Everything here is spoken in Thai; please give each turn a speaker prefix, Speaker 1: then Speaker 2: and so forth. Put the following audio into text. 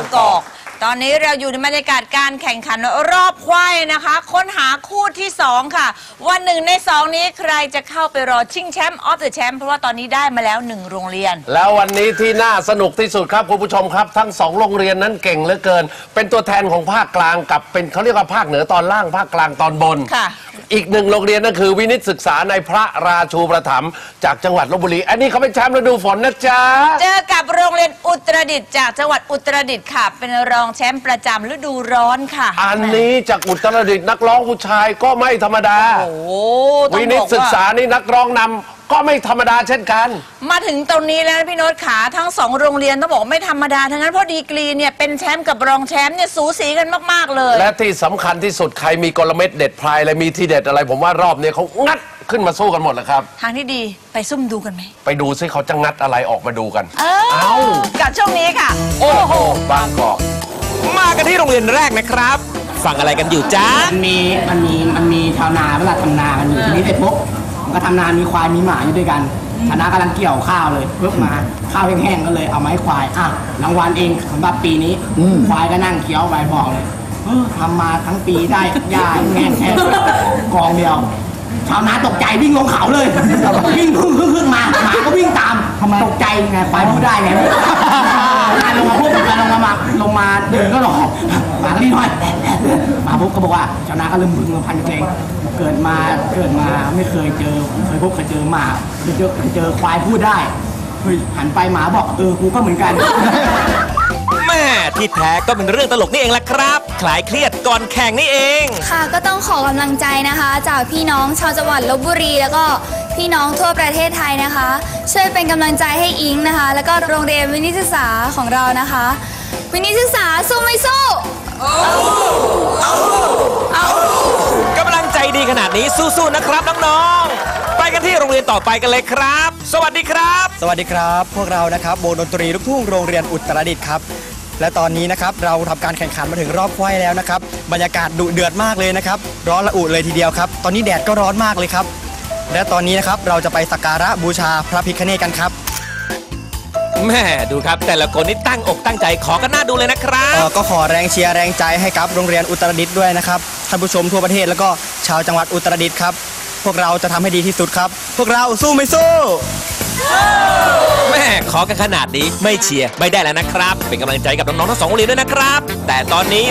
Speaker 1: างกอกตอนนี้เราอยู่ในบรรยากาศการแข่งขันรอบควายนะคะค้นหาคู่ที่2ค่ะวัน1 ใน 2นี้ใครจะเข้าไปรอชิงแชมป์ออฟเดอะแชมป์เพราะว่าตอนนี้ได้มาแล้ว1โรงเรียน
Speaker 2: แล้ววันนี้ที่น่าสนุกที่สุดครับคุณผู้ชมครับทั้ง2โรงเรียนนั้นเก่งเหลือเกินเป็นตัวแทนของภาคกลางกับเป็นเขาเรียกว่าภาคเหนือตอนล่างภาคกลางตอนบน
Speaker 1: ค่ะ
Speaker 2: อีก1โรงเรียนนั่นคือวินิตศึกษาในพระราชูประถมจากจังหวัดลพบุรีอันนี้เขาเป็นแชมป์ฤดูฝนนะจ๊ะ
Speaker 1: เจอกับโรงเรียนอุตรดิตถ์จากจังหวัดอุตรดิตถ์ค่ะเป็นรองแชมป์ประจำฤดูร้อนค่ะ
Speaker 2: อันนี้จากอุตรดิตถ์นักร้องผู้ชายก็ไม่ธรรมดาวินิตศึกษานี่นักร้องนำก็ไม่ธรรมดาเช่นกัน
Speaker 1: มาถึงตรงนี้แล้วพี่โน้ตขาทั้ง2โรงเรียนต้องบอกไม่ธรรมดาทั้งนั้นเพราะดีกรีเนี่ยเป็นแชมป์กับรองแชมป์เนี่ยสูสีกันมากๆเลย
Speaker 2: และที่สำคัญที่สุดใครมีกลเม็ดเด็ดพลายอะไรมีที่เด็ดอะไรผมว่ารอบนี้เขางัดขึ้นมาสู้กันหมดแล้วครับ
Speaker 1: ทางที่ดีไปซุ่มดูกันไหม
Speaker 2: ไปดูซิเขาจะงัดอะไรออกมาดูกัน
Speaker 1: เอากับช่วงนี้ค่ะ
Speaker 2: โอ้โหบางกอก
Speaker 3: มากันที่โรงเรียนแรกนะครับฟังอะไรกันอยู่จ้า
Speaker 4: มันมีชาวนาเวลาทำนากันอยู่ทีนี้ไอ้ปุ๊บมันก็ทำนามีควายมีหมาอยู่ด้วยกันชนะกำลังเกี่ยวข้าวเลยปุ๊บมาข้าวแห้งๆก็เลยเอาไม้ควายรางวัลเองสำหรับปีนี้ควายก็นั่งเคี้ยวใบบอกเลยทำมาทั้งปีได้หญ้าแห้งแค่กองเดียวชาวนาตกใจวิ่งลงเขาเลยวิ่งพึ่งมาหมาก็วิ่งตามตกใจไงควายพูดได้ไงลงมาพูดลงมาเดินก็หลอกหมาก็รีบหน่อยมาปุ๊บก็บอกว่าชาวนาก็เริ่มบึ้งพันเพลงเกิดมาไม่เคยเจอเคยเจอหมาเจอควายพูดได้หันไปหมาบอกกูก็เหมือนกัน
Speaker 3: แม่ที่แท้ก็เป็นเรื่องตลกนี่เองแหละครับคลายเครียดก่อนแข่งนี่เอง
Speaker 5: ค่ะก็ต้องขอกำลังใจนะคะจากพี่น้องชาวจังหวัดลพบุรีแล้วก็พี่น้องทั่วประเทศไทยนะคะช่วยเป็นกำลังใจให้อิงนะคะแล้วก็โรงเรียนวินิตศึกษาของเรานะคะวินิตศึกษาสู้ไม่สู้
Speaker 3: กำลังใจดีขนาดนี้สู้ๆนะครับน้องๆไปกันที่โรงเรียนต่อไปกันเลยครับสวัสดีครับ
Speaker 6: สวัสดีครับพวกเรานะครับวงดนตรีลูกทุ่งโรงเรียนอุตรดิตถ์ครับและตอนนี้นะครับเราทำการแข่งขันมาถึงรอบควายแล้วนะครับบรรยากาศดุเดือดมากเลยนะครับร้อนระอุเลยทีเดียวครับตอนนี้แดดก็ร้อนมากเลยครับและตอนนี้นะครับเราจะไปสักการะบูชาพระพิฆเนศกันครับ
Speaker 3: แม่ดูครับแต่ละคนนี่ตั้งอกตั้งใจขอกันหน้าดูเลยนะครับ
Speaker 6: ก็ขอแรงเชียร์แรงใจให้กับโรงเรียนอุตรดิตถ์ด้วยนะครับท่านผู้ชมทั่วประเทศแล้วก็ชาวจังหวัดอุตรดิตถ์ครับพวกเราจะทำให้ดีที่สุดครับพวกเราสู้ไม่สู้
Speaker 3: แม่ขอกันขนาดนี้ไม่เชียร์ไม่ได้แล้วนะครับเป็นกำลังใจกับน้องๆทั้ง2โรงเรียนด้วยนะครับแต่ตอนนี้